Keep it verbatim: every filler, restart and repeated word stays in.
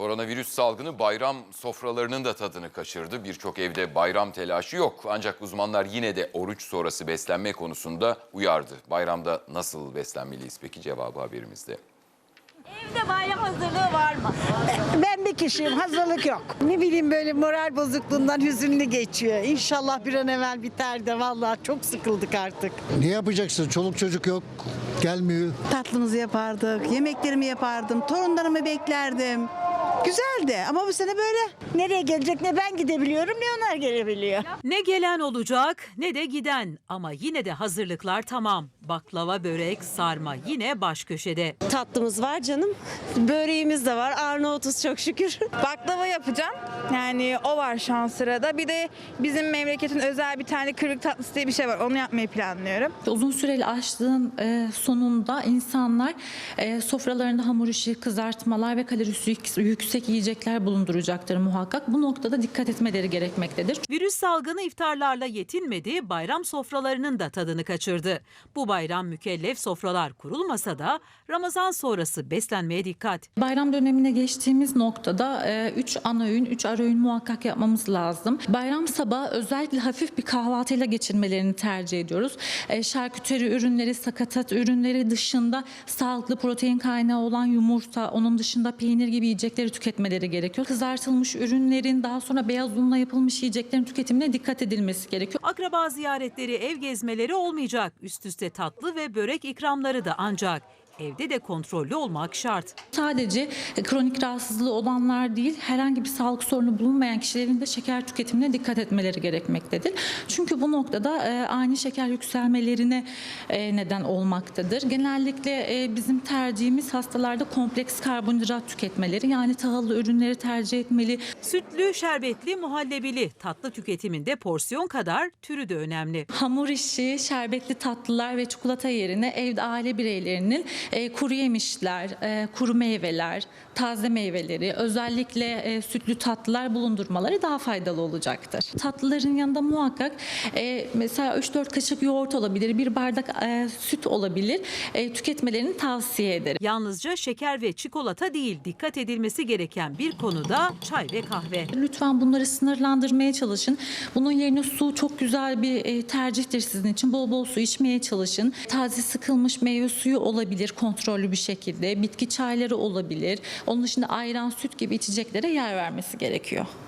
Koronavirüs salgını bayram sofralarının da tadını kaçırdı. Birçok evde bayram telaşı yok. Ancak uzmanlar yine de oruç sonrası beslenme konusunda uyardı. Bayramda nasıl beslenmeliyiz peki, cevabı haberimizde. Evde bayram hazırlığı var mı? Ben bir kişiyim, hazırlık yok. Ne bileyim, böyle moral bozukluğundan hüzünlü geçiyor. İnşallah bir an evvel biter de, vallahi çok sıkıldık artık. Ne yapacaksın? Çoluk çocuk yok, gelmiyor. Tatlımızı yapardık, yemeklerimi yapardım, torunlarımı beklerdim. Güzeldi ama bu sene böyle. Nereye gelecek, ne ben gidebiliyorum ne onlar gelebiliyor. Ne gelen olacak ne de giden ama yine de hazırlıklar tamam. Baklava, börek, sarma yine baş köşede. Tatlımız var canım. Böreğimiz de var. Arnavutuz çok şükür. Baklava yapacağım. Yani o var şu an sırada. Bir de bizim memleketin özel bir tane kırık tatlısı diye bir şey var. Onu yapmayı planlıyorum. Uzun süreli açlığın e, sonunda insanlar e, sofralarında hamur işi, kızartmalar ve kalorisi yüksek yiyecekler bulunduracaktır muhakkak. Bu noktada dikkat etmeleri gerekmektedir. Virüs salgını iftarlarla yetinmedi, bayram sofralarının da tadını kaçırdı. Bu bayram mükellef sofralar kurulmasa da Ramazan sonrası beslenmeye dikkat. Bayram dönemine geçtiğimiz noktada üç ana öğün, üç ara öğün muhakkak yapmamız lazım. Bayram sabahı özellikle hafif bir kahvaltıyla geçirmelerini tercih ediyoruz. E, şarküteri ürünleri, sakatat ürünleri dışında sağlıklı protein kaynağı olan yumurta, onun dışında peynir gibi yiyecekleri tüketmeleri gerekiyor. Kızartılmış ürünlerin, daha sonra beyaz unla yapılmış yiyeceklerin tüketimine dikkat edilmesi gerekiyor. Akraba ziyaretleri, ev gezmeleri olmayacak. Üst üste tatlı ve börek ikramları da ancak. Evde de kontrollü olmak şart. Sadece kronik rahatsızlığı olanlar değil, herhangi bir sağlık sorunu bulunmayan kişilerin de şeker tüketimine dikkat etmeleri gerekmektedir. Çünkü bu noktada e, ani şeker yükselmelerine e, neden olmaktadır. Genellikle e, bizim tercihimiz hastalarda kompleks karbonhidrat tüketmeleri, yani tahıllı ürünleri tercih etmeli. Sütlü, şerbetli, muhallebili tatlı tüketiminde porsiyon kadar türü de önemli. Hamur işi, şerbetli tatlılar ve çikolata yerine evde aile bireylerinin E, kuru yemişler, e, kuru meyveler, taze meyveleri, özellikle e, sütlü tatlılar bulundurmaları daha faydalı olacaktır. Tatlıların yanında muhakkak e, mesela üç dört kaşık yoğurt olabilir, bir bardak e, süt olabilir, e, tüketmelerini tavsiye ederim. Yalnızca şeker ve çikolata değil, dikkat edilmesi gereken bir konu da çay ve kahve. Lütfen bunları sınırlandırmaya çalışın. Bunun yerine su çok güzel bir e, tercihtir sizin için. Bol bol su içmeye çalışın. Taze sıkılmış meyve suyu olabilir kontrollü bir şekilde. Bitki çayları olabilir. Onun dışında ayran, süt gibi içeceklere yer vermesi gerekiyor.